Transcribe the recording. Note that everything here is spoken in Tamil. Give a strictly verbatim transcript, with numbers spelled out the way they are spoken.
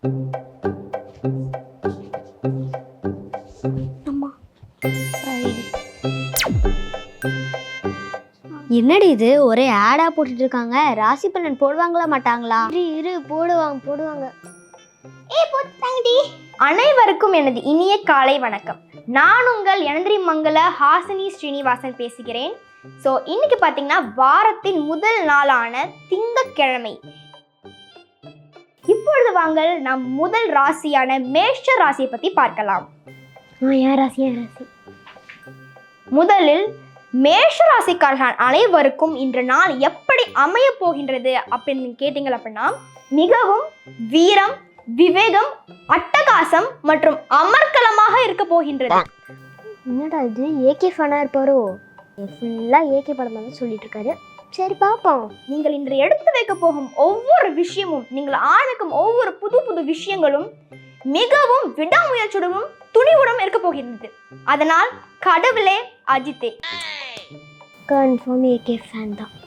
என்னடி இது ஒரே ஆடா போட்டுட்டு இருக்காங்க? ராசி பலன் போடுவாங்களா மாட்டாங்களா? இரு இரு போடுவாங்க போடுவாங்க. ஏய் போட்டாங்கடி. அனைவருக்கும் எனது இனிய காலை வணக்கம். நான் உங்கள் எனந்திரி மங்கல ஹாசினி ஸ்ரீனிவாசன் பேசுகிறேன். ஸோ இன்னைக்கு பார்த்தீங்கன்னா வாரத்தின் முதல் நாளான திங்கட்கிழமை. இப்பொழுது வாங்கள் நம் முதல் ராசியான மேஷ ராசியை பற்றி பார்க்கலாம். யார் ராசி யார் ராசி? முதலில் மேஷ ராசிக்காரர்கள் அனைவருக்கும் இன்று நாள் எப்படி அமைய போகின்றது அப்படின்னு கேட்டீங்க அப்படின்னா, மிகவும் வீரம், விவேகம், அட்டகாசம் மற்றும் அமர்க்கலமாக இருக்க போகின்றது. என்னடா இது ஏகே ஃபனா இருப்பாரோ? ஃபுல்லாக ஏகே படம் தான் சொல்லிட்டு இருக்காரு. சரி பார்ப்போம். நீங்கள் இன்று எடுத்து வைக்க போகும் ஒவ்வொரு விஷயமும், நீங்கள் ஆரம்பிக்கும் ஒவ்வொரு புது புது விஷயங்களும் மிகவும் விடாமுயற்சியுடனும் துணிவுடன் இருக்க போகின்றது. அதனால் கடவுளே அஜித்தே கன்ஃபார்ம் ஏகே ஃபேன் தான்.